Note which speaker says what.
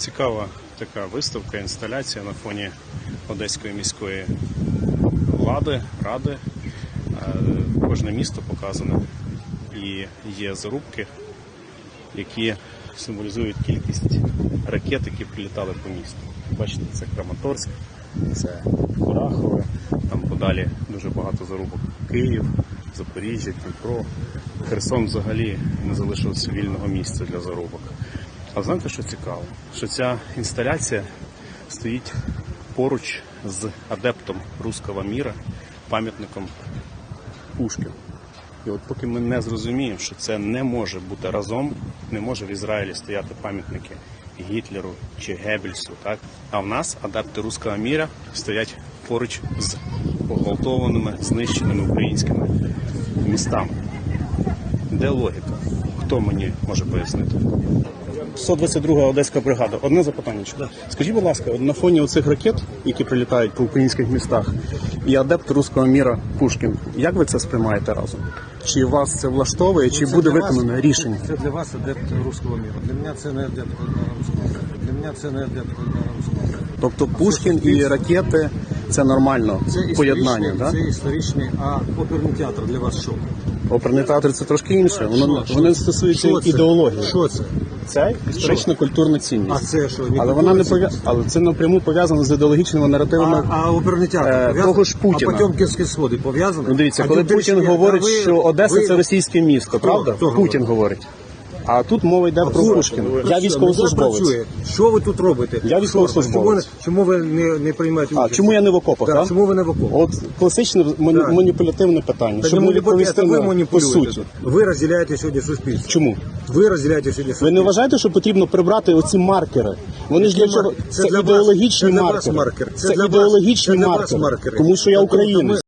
Speaker 1: Цікава така виставка, інсталяція на фоні Одеської міської влади, ради. Кожне місто показане. І є зарубки, які символізують кількість ракет, які прилітали по місту. Бачите, це Краматорськ, це Курахове, там подалі дуже багато зарубок. Київ, Запоріжжя, Дніпро. Херсон взагалі не залишилося вільного місця для зарубок. А знаєте, що цікаво? Що ця інсталяція стоїть поруч з адептом руського міра, пам'ятником Пушкіну. І от поки ми не зрозуміємо, що це не може бути разом, не може в Ізраїлі стояти пам'ятники Гітлеру чи Геббельсу, так? А в нас адепти руського міра стоять поруч з погвалтованими, знищеними українськими містами. Де логіка? Хто мені може пояснити? 122-га Одеська бригада. Одне запитання. Скажіть, будь ласка, на фоні оцих ракет, які прилітають по українських містах, і адепт руського міра Пушкін, як ви це сприймаєте разом? Чи вас це влаштовує, чи буде виконане рішення?
Speaker 2: Це для вас адепт руського міра. Для мене це не адепт руського міра. Для мене це не адепт руського міра.
Speaker 1: Тобто Пушкін і ракети – це нормально поєднання, так?
Speaker 2: Це історичний, а оперний театр для вас що?
Speaker 1: Оперний театр – це трошки інше. Воно стосується ідеології.
Speaker 2: Що це?
Speaker 1: Це історично-культурна цінність.
Speaker 2: А це що?
Speaker 1: Але вона не але це напряму пов'язано з ідеологічними наративами
Speaker 2: А оперний театр
Speaker 1: того ж Путіна.
Speaker 2: А Потьомкінські сходи пов'язані?
Speaker 1: Ну, дивіться, коли Путін говорить, що Одеса – це російське місто, правда?
Speaker 2: Хто
Speaker 1: Путін говорить. А тут мова йде про Пушкіна. Я військовослужбовець.
Speaker 2: Що ви тут робите?
Speaker 1: Я військовослужбовець.
Speaker 2: Чому ви не приймаєте участь?
Speaker 1: Чому я не в окопах, так?
Speaker 2: Чому ви не в окопах?
Speaker 1: От класичне маніпулятивне питання. Щоб не відповісти по суті.
Speaker 2: Ви розділяєте сьогодні суспільство.
Speaker 1: Чому?
Speaker 2: Ви розділяєте сьогодні суспільство.
Speaker 1: Ви не вважаєте, що потрібно прибрати оці маркери? Вони ж для чого? Це ідеологічні маркери. Це ідеологічні маркери. Тому що я українець.